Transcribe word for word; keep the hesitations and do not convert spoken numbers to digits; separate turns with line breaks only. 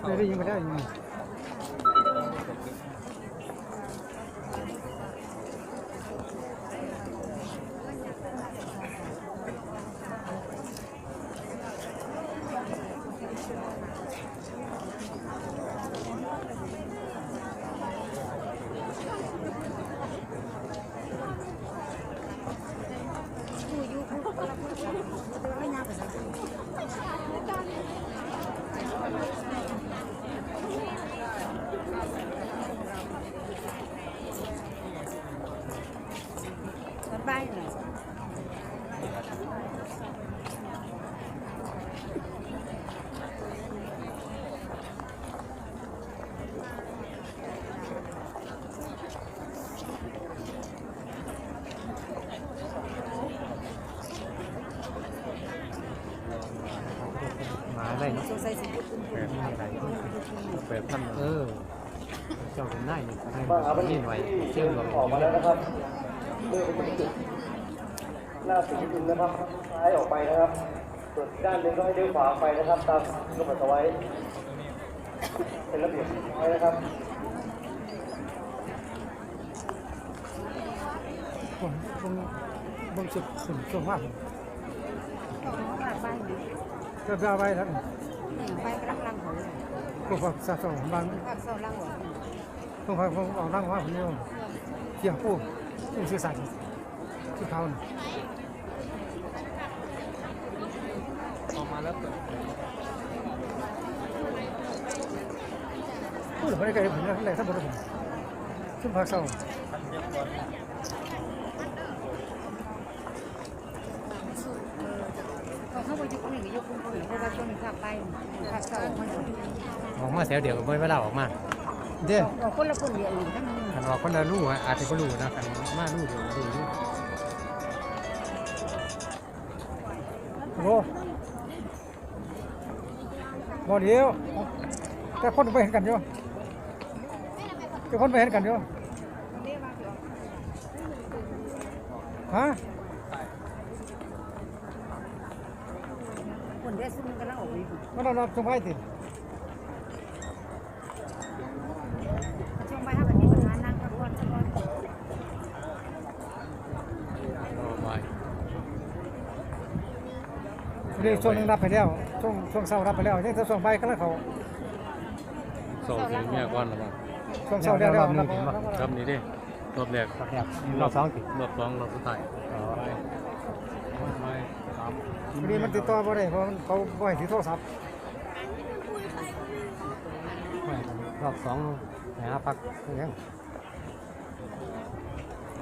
ไม่ได้ยิงไม่ได้ยิง
ไปเลย
มาได้เนาะ
สงสัยสิบุญ
แปดพันแปดพันเออเจ้าเป็นนายนี่ให้
มาหาบัญ
นี่
ชี
หน่อย
ที่
เชื่อมกับ
ออกมาแล้วนะครับเลื่อนไปจุดหน้าสีดินนะครับซ้ายออกไปนะครับส่วนด้านหนึ่งก็ให้เลี้ยวขวาไปนะครับตามกำหนดเอาไว้เป็นระเบียบเรียบร้อยนะครับ
ผมผมผมสุดสุดสุดมาก
ไป
ก็ได้ไว้แล้ว
ไปกำลังลังหัว
พวกสะสมบาง
ภาคเศร้าลังหัว
พวกผมออกนั่งว่าผมเนี่ยเกี่ยวผู้ผู้สื่อสารที่เขาออกมาแล้วพูดถึงอะไรกันผมเนี่ยอะไรทั้งหมดผมขึ้นภาคเศร้า
เขาไปยุคหนึ่งยุคคุณผู้หญิงเพราะว่าช่วงนี้ภาคไปภาคเศร้ามัน
ออกมาแถวเดียวกับเวลาออกมาเด้อ
ออกคนละคนเดียวอื่นทั้งนั้น
ขันออกคนละลู่อาจจะก็ลู่นะขันมาลู่เดียวลู่ลู่โอ้บ่เดียวแต่คนไปเห็นกันอยู่แต่คนไปเห็นกันอยู่ฮะ
คนได้ซึ่งกำลังออกอยู่
มันเราเราจงไว้ติ
ช่วงไปถ้าแบบนี้ปัญหานั่งพักผ่อนสักวัน
เรื่องช่วงนึงรับไปแล้วช่วงช่วงเช้ารับไปแล้วยังแต่ช่วงบ่ายก็แล้วเขา
โซ่ถึงเมียก่อนหรือเปล่า
ช่วงเช้าแล้วแล้วรับ
ครับนี่ดิรอบแรก
รอบสองติ
รอบสองรอบสุดท้าย
วันนี้มันติดต่อบ่ได้เพราะเขาบ่ให้ถือโทรศัพท์รอบสองหาพักยัง